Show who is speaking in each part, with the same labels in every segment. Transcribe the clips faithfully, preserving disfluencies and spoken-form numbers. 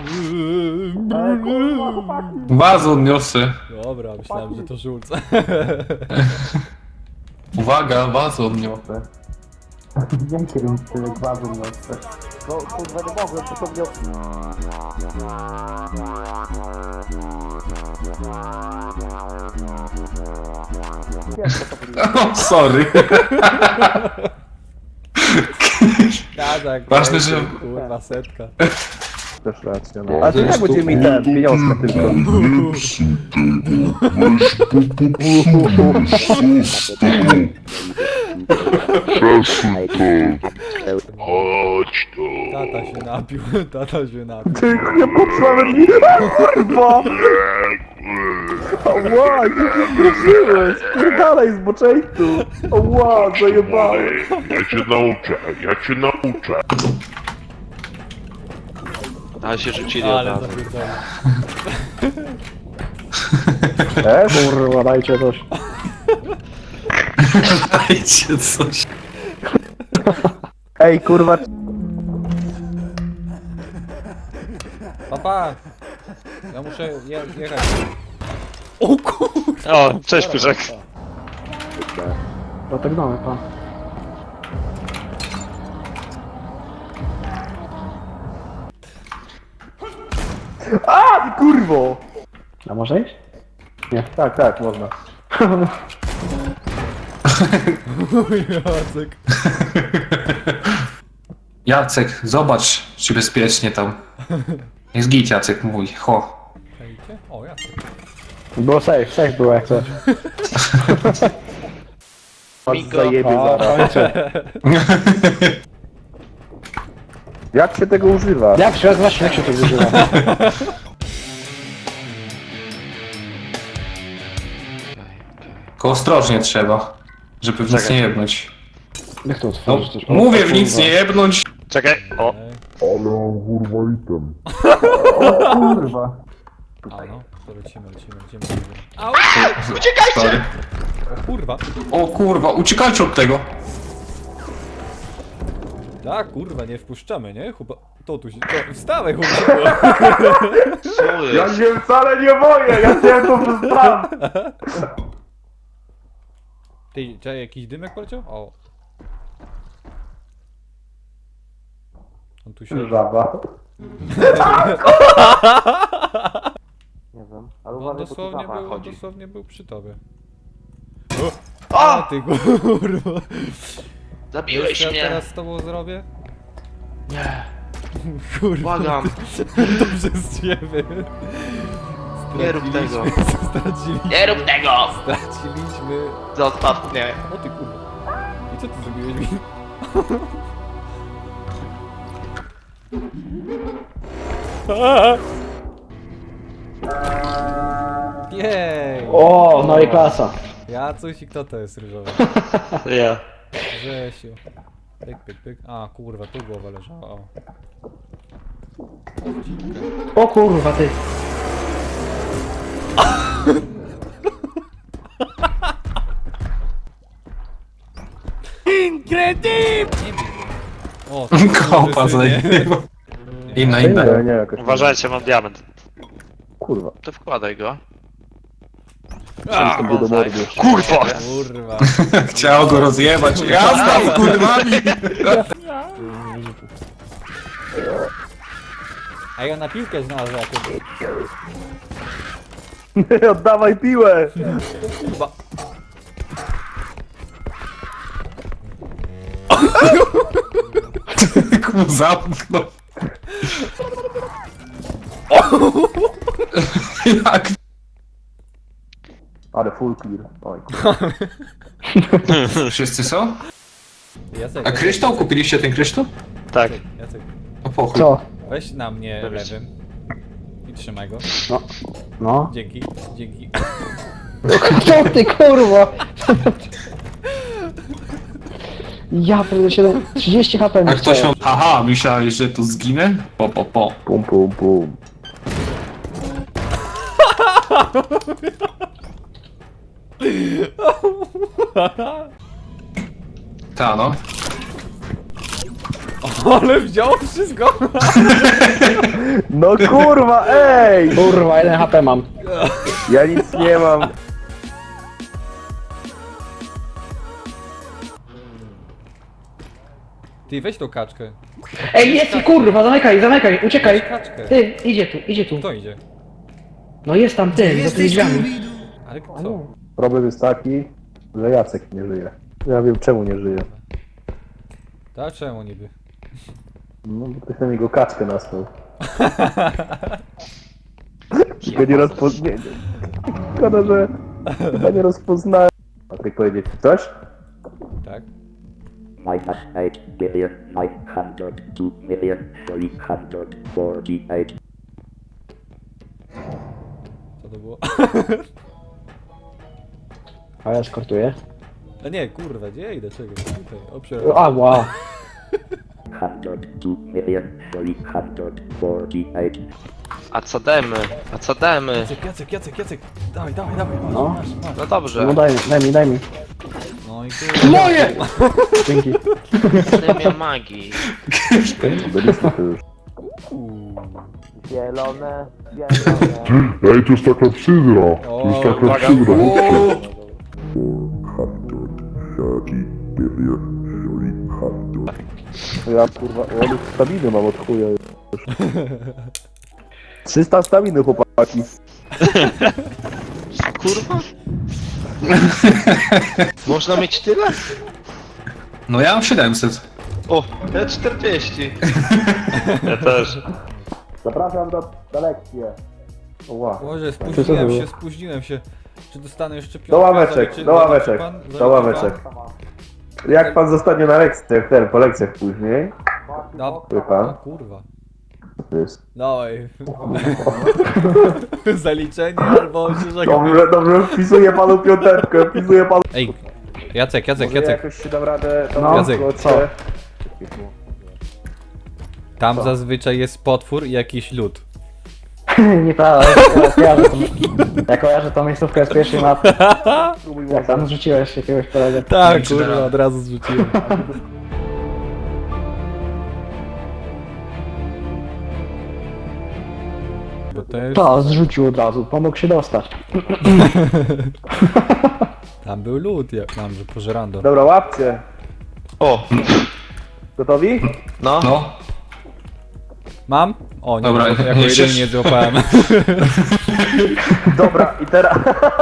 Speaker 1: Wazon niosę.
Speaker 2: Dobra, myślałem, że to żulce.
Speaker 1: Uwaga, wazon niosę.
Speaker 3: Dzięki, tyle gwazu niosę. No kurwa nie mogłem, to to mnie...
Speaker 1: O, sorry.
Speaker 2: Kazak,
Speaker 1: Ważne, że-
Speaker 2: kurwa, setka.
Speaker 3: Też racja, no. A to jak będzie mi ten, pieniążka tylko.
Speaker 4: Chodź tu.
Speaker 2: Tata się napił, tata się napił.
Speaker 3: Ty, nie potrzebny mi, kurwa! Ała, nie wierzyłeś! Spierdalaj z boczeńcu! Ała, zajebałem!
Speaker 4: Ja cię nauczę, ja cię nauczę.
Speaker 5: Ale się rzucili
Speaker 2: Ale
Speaker 5: od razu.
Speaker 2: zapierdolę.
Speaker 3: E, kurwa, dajcie coś.
Speaker 1: Dajcie coś.
Speaker 3: Ej, kurwa,
Speaker 2: Papa! Ja muszę je jechać. O kurwa!
Speaker 5: O, cześć Pyszek.
Speaker 3: no tak mamy, pan. A, ty kurwo! A może iść? Nie, tak, tak, można.
Speaker 2: Jacek.
Speaker 1: Jacek, zobacz, czy bezpiecznie tam. Jest git, Jacek, mój, ho.
Speaker 2: Czajcie? O, Jacek.
Speaker 3: Było safe, safe było jak coś.
Speaker 5: Migo.
Speaker 3: Zajebie zaraz. Jak się tego używa? Jak się, właśnie jak się tego używa?
Speaker 1: Tylko ostrożnie trzeba, żeby w nic
Speaker 5: Czekaj.
Speaker 1: nie jebnąć.
Speaker 3: Jak to
Speaker 1: No,
Speaker 3: otworzyć też? O,
Speaker 1: mówię
Speaker 3: o,
Speaker 1: w nic
Speaker 3: kurwa.
Speaker 1: nie jebnąć.
Speaker 5: Czekaj, o.
Speaker 2: Ej.
Speaker 3: Kurwa.
Speaker 2: A no, to lecimy, lecimy, lecimy. Au!
Speaker 1: Sorry.
Speaker 2: O kurwa!
Speaker 1: O kurwa, uciekajcie od tego.
Speaker 2: Tak, kurwa, nie wpuszczamy, nie? Chyba... To tu się... To... Wstawaj, chłopczyku!
Speaker 5: Co
Speaker 3: Ja
Speaker 5: jest?
Speaker 3: się wcale nie boję, ja chciałem to przez plan.
Speaker 2: Ty, czy jakiś dymek poleciał? O. On tu się...
Speaker 3: Żaba. Nie wiem, ale
Speaker 2: On
Speaker 3: uważaj,
Speaker 2: dosłownie
Speaker 3: bo tu
Speaker 2: był,
Speaker 5: chodzi.
Speaker 2: dosłownie był przy tobie. A ty kurwa!
Speaker 5: Zabiłeś
Speaker 2: Wiesz, co ja
Speaker 5: mnie.
Speaker 2: teraz z tobą zrobię?
Speaker 5: Nie,
Speaker 2: Kurwa,
Speaker 5: błagam.
Speaker 2: to przez ciebie.
Speaker 5: Nie rób tego.
Speaker 2: Straciliśmy,
Speaker 5: Nie rób tego!
Speaker 2: straciliśmy...
Speaker 5: Zostaw mnie.
Speaker 2: O ty kurwa. I co ty zrobiłeś mi? Jej!
Speaker 3: O, no i klasa.
Speaker 2: Ja coś i kto to jest ryżowy?
Speaker 5: Ja.
Speaker 2: Grzesiu. Pyk, pyk, pyk. A kurwa, tu głowa leżała. O.
Speaker 3: O kurwa, ty.
Speaker 2: O,
Speaker 1: Kopa zajebał. Inna, inna.
Speaker 3: Nie, nie, jakoś.
Speaker 5: Uważajcie, mam diament.
Speaker 3: Kurwa.
Speaker 5: To wkładaj go.
Speaker 3: A, to do mordy.
Speaker 5: Kurwa!
Speaker 2: kurwa.
Speaker 1: Chciał go rozjebać. Jazda z kurwami.
Speaker 2: A ja na piłkę znalazłem jakąś.
Speaker 3: Oddawaj piłę.
Speaker 2: Kurwa.
Speaker 1: Ku zamknął. Jak?
Speaker 3: Ale full clear. Oj,
Speaker 1: Wszyscy są?
Speaker 2: Jacek,
Speaker 1: A kryształ? Kupiliście ten kryształ?
Speaker 5: Tak.
Speaker 2: Jacek, Jacek,
Speaker 1: No po chuj.
Speaker 3: co?
Speaker 2: weź na mnie
Speaker 5: Dobrze.
Speaker 2: lewym. I trzymaj go.
Speaker 3: No. No.
Speaker 2: Dzięki, dzięki.
Speaker 3: Co ty kurwa? Ja pierdolę siedem, trzydzieści H P
Speaker 1: A
Speaker 3: mi
Speaker 1: ktoś
Speaker 3: stało.
Speaker 1: ma... Aha, myślałeś, że tu zginę? Po, po, po.
Speaker 3: Pum, pum, pum.
Speaker 1: Ta no.
Speaker 2: Ale wziął wszystko!
Speaker 3: No kurwa, ej!
Speaker 6: Kurwa, jeden H P mam.
Speaker 3: Ja nic nie mam.
Speaker 2: Ty, weź tą kaczkę.
Speaker 6: Ej, jest, kurwa, zamykaj, zamykaj, uciekaj.
Speaker 2: Weź kaczkę.
Speaker 6: Ty, idzie tu, idzie tu.
Speaker 2: Kto idzie?
Speaker 6: No jest tam ty, za tymi drzwiami.
Speaker 2: Ale co?
Speaker 3: Problem jest taki, że Jacek nie żyje. Ja wiem czemu nie żyje.
Speaker 2: Tak, czemu niby?
Speaker 3: No bo ktoś na niego kaczkę nasłał. Tylko nie rozpoznałem. Szkoda, że chyba nie rozpoznałem. Patryk powiedzieć coś?
Speaker 2: Tak?
Speaker 7: minus eight billion nine hundred two million three hundred forty-eight.
Speaker 2: Co to było?
Speaker 6: A ja skortuję.
Speaker 2: A nie, kurwa, gdzie idę? Czekaj, tutaj, oprzeć.
Speaker 6: A, wow.
Speaker 7: Hundred two million three hundred forty-eight.
Speaker 5: A co demy? A co demy?
Speaker 2: Jacek, Jacek, Jacek, Jacek! Dawaj, dawaj, dawaj, masz,
Speaker 6: No.
Speaker 2: masz, masz.
Speaker 5: No dobrze.
Speaker 6: No daj mi, daj mi, daj mi.
Speaker 2: No i kurwa.
Speaker 6: Moje! Dzięki.
Speaker 5: Akademia magii.
Speaker 3: Byliśmy tu już.
Speaker 2: Uuu.
Speaker 4: Ej, to jest taka ksydra. To jest taka
Speaker 5: uwaga.
Speaker 4: ksydra.
Speaker 3: Ja kurwa, ja już staminy mam od chuja już. trzysta staminy chłopaki.
Speaker 5: Kurwa? Można mieć tyle?
Speaker 1: No ja mam siedemset.
Speaker 5: O, ja czterdzieści. Ja też.
Speaker 3: Zapraszam do, do lekcji. Ła.
Speaker 2: Boże,
Speaker 3: Co to
Speaker 2: spóźniłem
Speaker 3: było?
Speaker 2: się, spóźniłem się. Czy dostanę jeszcze piątkę?
Speaker 3: Do ławeczek,
Speaker 2: Zaliczy-
Speaker 3: do ławeczek,
Speaker 2: zaliczy pan?
Speaker 3: do
Speaker 2: Zaliczy
Speaker 3: ławeczek. Jak pan zostanie na lekcjach, ten, po lekcjach później,
Speaker 2: pan? Da...
Speaker 3: wie pan,
Speaker 2: O kurwa.
Speaker 3: to jest...
Speaker 2: Dawaj. Zaliczenie albo się żegnam.
Speaker 3: Dobrze, dobrze, wpisuję panu piąteczkę, wpisuję panu...
Speaker 2: Ej, Jacek, Jacek,
Speaker 3: Może
Speaker 2: Jacek.
Speaker 3: jakoś się dam radę... tam
Speaker 6: No,
Speaker 2: Jacek,
Speaker 3: odwrócę.
Speaker 6: co?
Speaker 2: Tam zazwyczaj jest potwór i jakiś lód.
Speaker 6: Nieprawda, ja kojarzę tą... Ja kojarzę tą miejscówkę z pierwszej mapy. Jak tam zrzuciłeś jakiegoś kolegę.
Speaker 2: Tak,
Speaker 1: czy da
Speaker 2: kurwa,
Speaker 1: radę.
Speaker 2: od razu zrzuciłem. Bo to jest...
Speaker 6: To, zrzucił od razu, pomógł się dostać.
Speaker 2: Tam był lód, ja mam, że pożerando.
Speaker 3: Dobra, łapcie.
Speaker 5: O,
Speaker 3: Gotowi?
Speaker 5: no.
Speaker 1: No.
Speaker 2: Mam? O, nie,
Speaker 1: Dobra,
Speaker 2: jako
Speaker 1: jeszcze-
Speaker 2: jedyny nie złapałem.
Speaker 3: Dobra, i teraz...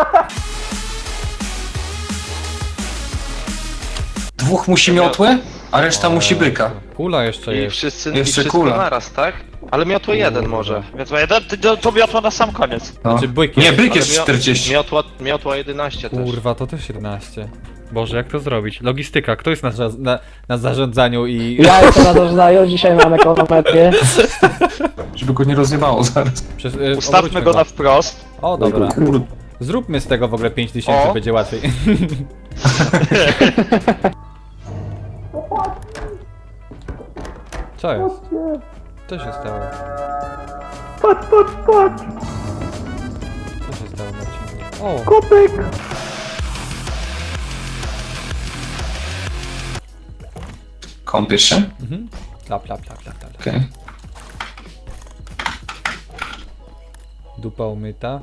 Speaker 1: Dwóch musi miotłę, a reszta musi byka.
Speaker 2: Kula jeszcze
Speaker 5: I
Speaker 2: jest.
Speaker 5: wszyscy, i
Speaker 1: Jeszcze
Speaker 5: wszystko
Speaker 1: kula.
Speaker 5: naraz, tak? Ale miotło jeden może. Miotło jeden, ty- to, to miotło na sam koniec.
Speaker 1: No.
Speaker 2: Znaczy byk
Speaker 1: Nie,
Speaker 2: jest,
Speaker 1: byk
Speaker 5: Ale
Speaker 1: jest
Speaker 5: mio-
Speaker 1: czterdzieści.
Speaker 5: Miotła, miotła jedenaście też.
Speaker 2: Kurwa, to też jedenaście. Boże, jak to zrobić? Logistyka, kto jest na, za- na, na zarządzaniu i...
Speaker 6: Ja jestem na doznaniu, dzisiaj mamy ekonometrię.
Speaker 1: Żeby go nie rozjebało zaraz.
Speaker 2: Przez, y,
Speaker 5: Ustawmy
Speaker 2: obróćmy
Speaker 5: go na wprost.
Speaker 2: O, dobra.
Speaker 1: Kurde.
Speaker 2: Zróbmy z tego w ogóle pięć tysięcy,
Speaker 5: O.
Speaker 2: będzie łatwiej. Co jest? Co się stało?
Speaker 3: Patrz, patrz, patrz!
Speaker 2: Co się stało, Marcin? O!
Speaker 3: Kotek!
Speaker 1: Kąpiesz się?
Speaker 2: Mhm. Lap, lap, lap, lap, lap.
Speaker 1: Okej.
Speaker 2: Dupa umyta.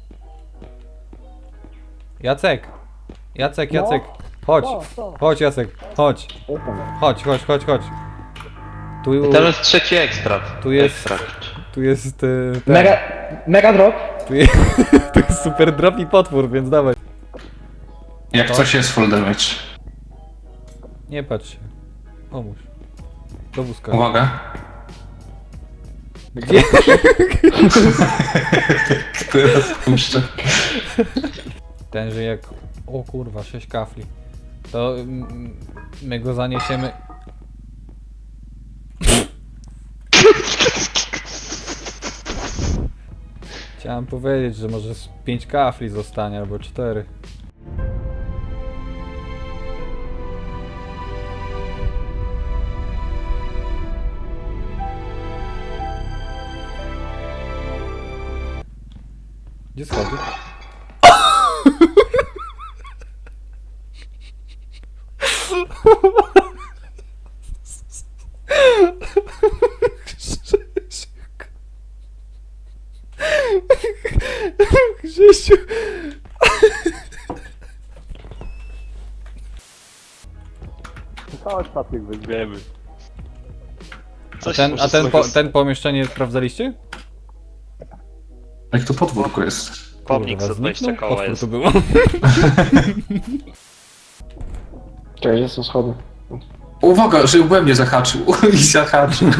Speaker 2: Jacek! Jacek, Jacek! Chodź! Chodź, Jacek! Chodź! Chodź, chodź, chodź, chodź! Tu,
Speaker 5: Tam jest trzeci ekstrakt.
Speaker 2: Tu jest-
Speaker 5: Ekstrakt.
Speaker 2: tu jest... y, ten.
Speaker 6: Mega, mega drop.
Speaker 2: Tu jest, tu jest super drop i potwór, więc dawaj.
Speaker 1: Jak coś jest full damage.
Speaker 2: Nie patrz się. Pomóż. Do wózka.
Speaker 1: Uwaga.
Speaker 2: Gdzie?
Speaker 1: Teraz puszczę.
Speaker 2: Ten, że jak... O kurwa, sześć kafli. To mm, my go zaniesiemy... Chciałem powiedzieć, że może z pięć kafli zostanie, albo cztery. Gdzie schody? Krzysiu!
Speaker 3: Chodź, Patryk, weźmiemy.
Speaker 2: A
Speaker 5: Coś
Speaker 2: ten,
Speaker 5: muszę
Speaker 2: a ten,
Speaker 5: sobie
Speaker 2: po,
Speaker 5: z-
Speaker 2: ten pomieszczenie sprawdzaliście?
Speaker 1: Jak to podwórko jest?
Speaker 5: Pomnik
Speaker 2: Kurwa,
Speaker 5: za dwadzieścia
Speaker 2: zniknął?
Speaker 5: koła
Speaker 2: Potwór
Speaker 5: jest.
Speaker 2: to było.
Speaker 6: Czekaj, gdzie są schody?
Speaker 1: Uwaga, że we mnie zahaczył. I zahaczył.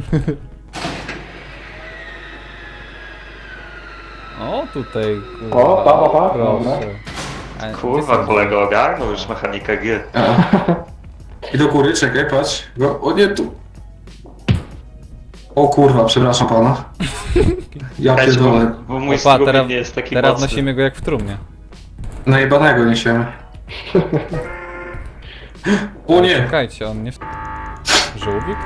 Speaker 2: O, tutaj, kurwa.
Speaker 6: O, pa, pa, pa.
Speaker 2: Proszę. A, gdzie
Speaker 5: Kurwa,
Speaker 2: są-
Speaker 5: kolego ogarnął już mechanika G.
Speaker 1: I do góry, czekaj, patrz. Go, o nie, tu. O kurwa, przepraszam pana. Ja
Speaker 5: Weź, bo,
Speaker 1: pierdolę.
Speaker 5: bo mój
Speaker 2: Opa,
Speaker 5: strumień
Speaker 2: teraz,
Speaker 5: nie jest taki
Speaker 2: teraz
Speaker 5: mocny.
Speaker 2: nosimy go jak w trumnie.
Speaker 1: Najebanego niesiemy. O nie!
Speaker 2: Czekajcie, on nie... w- Żółwik?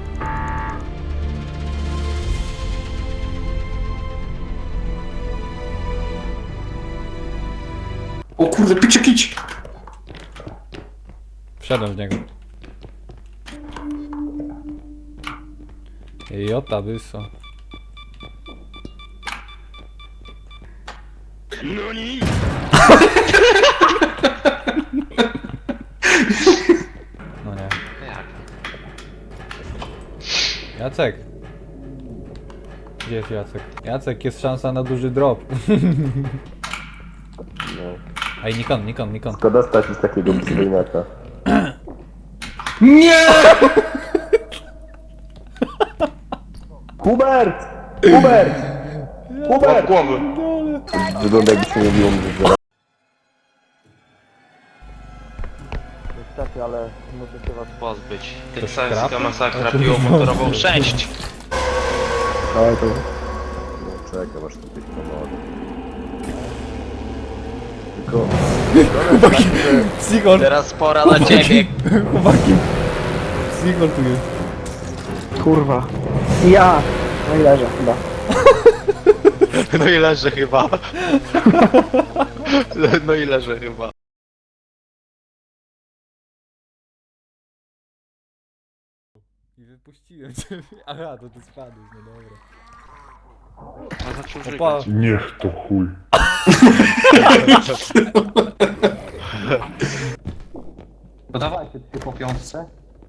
Speaker 1: O kurde, picie kić!
Speaker 2: Wsiadłem w niego. Jota byso. No nie.
Speaker 5: Jak?
Speaker 2: Jacek. Gdzie jest Jacek? Jacek, jest szansa na duży drop. Ej, Nikon, Nikon, Nikon.
Speaker 3: Szkoda stać z takiego przywojniaka.
Speaker 1: Nie!
Speaker 3: Hubert! Hubert! Hubert!
Speaker 5: Głowy.
Speaker 3: Wygląda jakby się nie biło mnie zaraz.
Speaker 5: Niestety, ale muszę się was pozbyć.
Speaker 2: To
Speaker 5: Teksańska
Speaker 2: szkrapy?
Speaker 5: masakra piło motorową sześć.
Speaker 3: Dawaj to. No czekaj, masz tu coś pomogę. Tylko...
Speaker 2: Psychol,
Speaker 5: Teraz pora na ciebie.
Speaker 2: chłopaki. Psychol tu jest.
Speaker 6: Kurwa. Ja! No i leżę chyba.
Speaker 5: No i leży chyba. No i leży chyba.
Speaker 2: I wypuściłem cię. Aha, to ty spadłeś, no dobra.
Speaker 5: A zaczął
Speaker 2: Opa,
Speaker 5: żygać.
Speaker 4: Niech to chuj.
Speaker 1: No dawajcie, ty po piątce.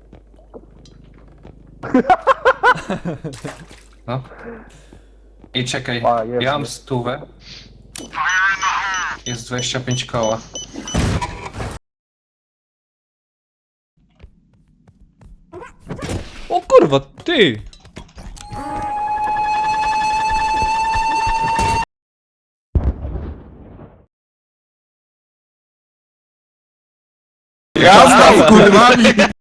Speaker 1: No. I czekaj,
Speaker 3: A, jest,
Speaker 1: ja mam
Speaker 3: jest.
Speaker 1: stówę. Jest dwadzieścia pięć koła.
Speaker 2: o kurwa, ty!
Speaker 1: Jazda z kurwami!